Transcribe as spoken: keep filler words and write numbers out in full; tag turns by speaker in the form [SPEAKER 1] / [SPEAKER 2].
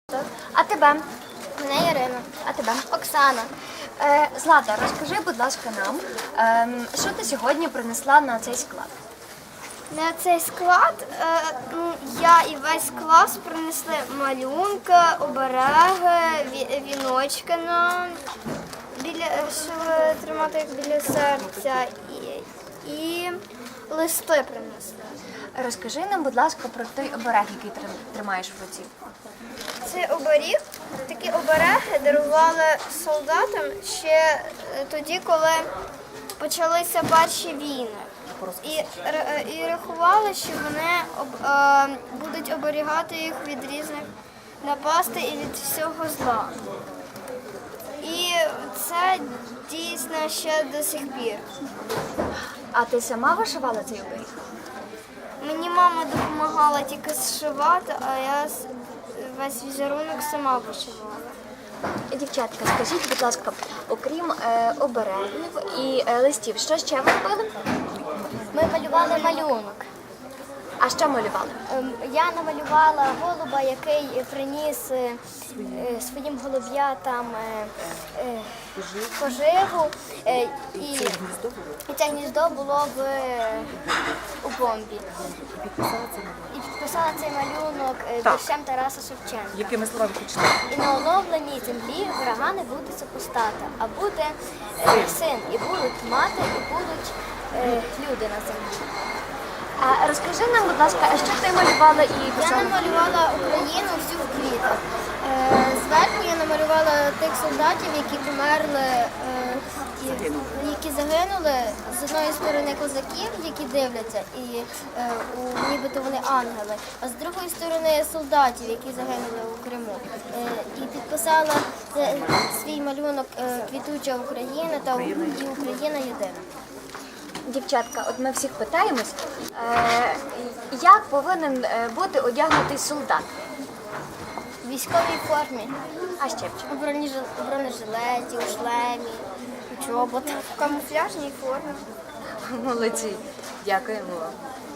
[SPEAKER 1] Так. А тебе?
[SPEAKER 2] Мене Ірина.
[SPEAKER 1] А тебе?
[SPEAKER 2] Оксана.
[SPEAKER 1] Е, Злата, розкажи, будь ласка, нам, ем, що ти сьогодні принесла на цей склад?
[SPEAKER 2] На цей склад е, ну, я і весь клас принесли малюнки, обереги, ві- віночки на біля щоб тримати їх біля серця і, і листи принесли.
[SPEAKER 1] Розкажи нам, будь ласка, про той оберег, який ти тримаєш в руці.
[SPEAKER 2] Цей оберіг, такі обереги дарували солдатам ще е, тоді, коли почалися перші війни. І, р- і рахували, що вони об- е, будуть оберігати їх від різних напастей і від всього зла. І це дійсно ще до сих пір.
[SPEAKER 1] А ти сама вишивала цей оберіг?
[SPEAKER 2] Мені мама допомагала тільки зшивати, а я с- весь візерунок сама вишивала.
[SPEAKER 1] Дівчатка, скажіть, будь ласка, окрім е, оберегів і е, листів, що ще ви робили?
[SPEAKER 2] Ми малювали малюнок.
[SPEAKER 1] А що малювали?
[SPEAKER 2] Ем, Я намалювала голуба, який приніс е, е, своїм голуб'ятам е, е, поживу, е, і, і це гніздо було в, е, у бомбі. І підписала цей малюнок е,
[SPEAKER 3] Так.
[SPEAKER 2] віршем Тараса Шевченка.
[SPEAKER 3] Якими словами хочете?
[SPEAKER 2] І на оновленій землі врага не буде супостата, а буде е, син, і будуть мати, і будуть е, люди на землі.
[SPEAKER 1] А розкажи нам, будь ласка, а що ти малювала і
[SPEAKER 2] Я
[SPEAKER 1] писала?
[SPEAKER 2] намалювала Україну всю в квітах. Е, Зверху я намалювала тих солдатів, які померли, е, і- які загинули. З одної сторони козаків, які дивляться, і е, у, нібито вони ангели, а з другої сторони солдатів, які загинули у Криму. Е, І підписала це, свій малюнок е, Квітуча Україна та «І Україна єдина».
[SPEAKER 1] Дівчатка, от ми всіх питаємось, е, як повинен е, бути одягнутий солдат?
[SPEAKER 2] В військовій формі.
[SPEAKER 1] А ще в чому?
[SPEAKER 2] У бронежилеті, у бронежилеті, у шлемі, у чоботах, в камуфляжній формі.
[SPEAKER 1] Молодці. Дякуємо вам.